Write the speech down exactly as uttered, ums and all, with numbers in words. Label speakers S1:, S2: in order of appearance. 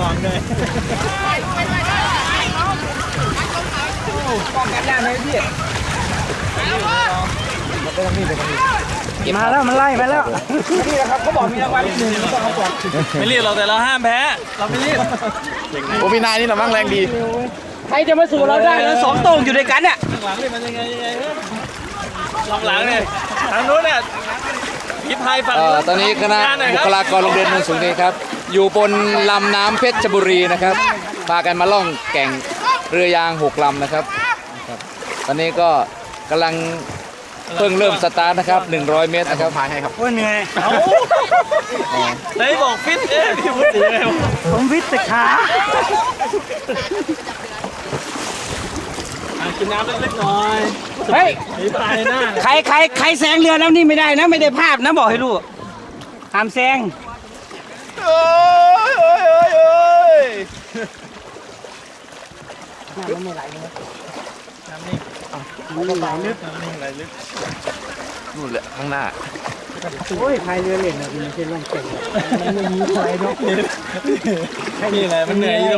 S1: วังเลยป้องกันได้ไหมพี่มาแล้วมันไล่มาแล้วนี่นะครับเขาบอกมีรางวัลหนึ่งต้องเอาก่อนไม่รีบเราแต่เราห้ามแพ้เราไม่รีบ
S2: โอ้พี่นายนี่หน่ะมั่งแรงดี
S1: ใครจะมาสู่เราได้แล้วสองตรงอยู่ด้วยกันเนี่ยหลังนี่มันยังไงยังไงหลังหลังเนี่ยทางนู้นเนี่ยพิพายฝั่ง
S2: ตอนนี้คณะบุคลากรโรงเรียนโนนสูงนี้ครับอยู่บนลำน้ำเพชรบุรีนะครับพากันมาล่องแก่งเรือยางหกลำนะครับตอนนี้ก็กำลังเพิ่งเริ่มสตาร์ทนะครับหนึ่งร้อยเมตรนะครับพายให้ครับ
S1: โอ้ยเหนื่อยไหนบอกฟิตเอ๊ะพี่พูดถึงไงผมฟิตแต่ขากินน้ำเล็กๆหน่อยเฮ้ยใครใครใครแซงเรือแล้วนี่ไม่ได้นะไม่ได้ภาพนะบอกให้รู้ห้ามแซง
S2: โอ้ยโอ้ยโอ้ยโอ้ย
S1: น้ำไม่ไหลเลยน้ำนี่น้ำไหลลึกน้ำนี่ไหลลึก
S2: นู่นแหละข้างหน้า
S1: โอ้ยพายเรือเล่นนะมันไม่ใช่ล่องแก่งมันไม่มีอะไรเนาะนี่แหละมันเหนื่อย